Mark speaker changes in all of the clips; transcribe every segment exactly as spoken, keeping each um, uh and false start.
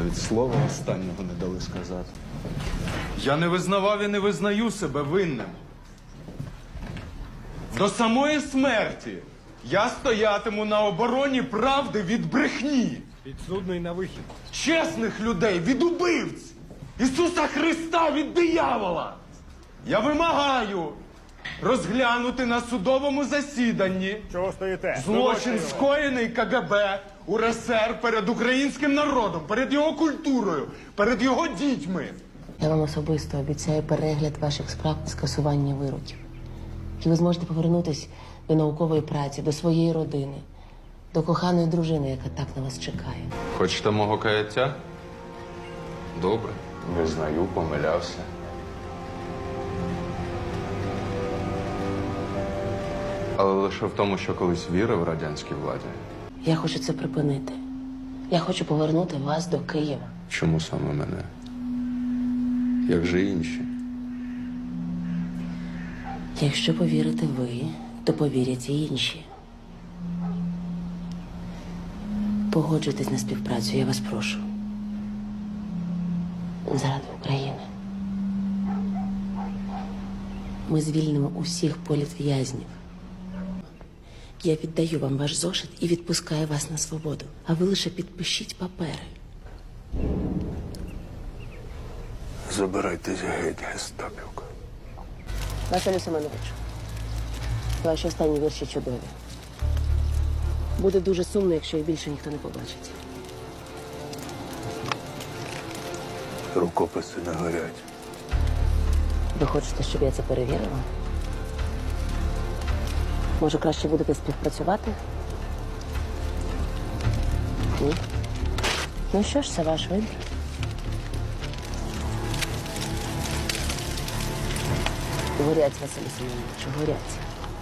Speaker 1: навіть слова останнього не дали сказати. Я не визнавав і не визнаю себе винним. До самої смерті я стоятиму на обороні правди від брехні.
Speaker 2: Підсудний на вихід.
Speaker 1: Чесних людей від убивць. Ісуса Христа від диявола. Я вимагаю розглянути на судовому засіданні
Speaker 2: Чого стоїте?
Speaker 1: злочин, скоєний КГБ УРСР перед українським народом, перед його культурою, перед його дітьми.
Speaker 3: Я вам особисто обіцяю перегляд ваших справ і скасування вироків. І ви зможете повернутися до наукової праці, до своєї родини, до коханої дружини, яка так на вас чекає.
Speaker 1: Хочете мого каяття? Добре. Визнаю, помилявся. Але лише в тому, що колись вірив радянській владі.
Speaker 3: Я хочу це припинити. Я хочу повернути вас до Києва.
Speaker 1: Чому саме мене? Як же інші?
Speaker 3: Якщо повірите ви, то повірять і інші. Погоджуйтесь на співпрацю, я вас прошу. Заради України. Ми звільнимо усіх політв'язнів. Я віддаю вам ваш зошит і відпускаю вас на свободу. А ви лише підпишіть папери.
Speaker 4: Забирайтесь геть, гестапівка.
Speaker 3: Василю Семеновичу, ваші останні вірші чудові. Буде дуже сумно, якщо їх більше ніхто не побачить.
Speaker 4: Рукописи не горять.
Speaker 3: Ви хочете, щоб я це перевірила? Може, краще будете співпрацювати? Ні? Ну що ж, це ваш вибір. Горять, Василю Семеновичу, горять.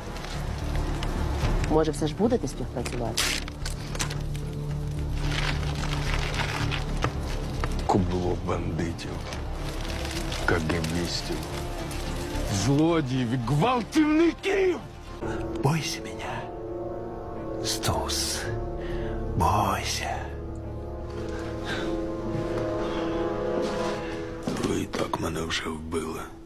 Speaker 3: Може, все ж будете співпрацювати?
Speaker 4: Кубло бандитів, кагебістів,
Speaker 1: Злодіїв, гвалтівників!
Speaker 4: бойся меня, Стус, бойся. Ви і так мене вже вбили.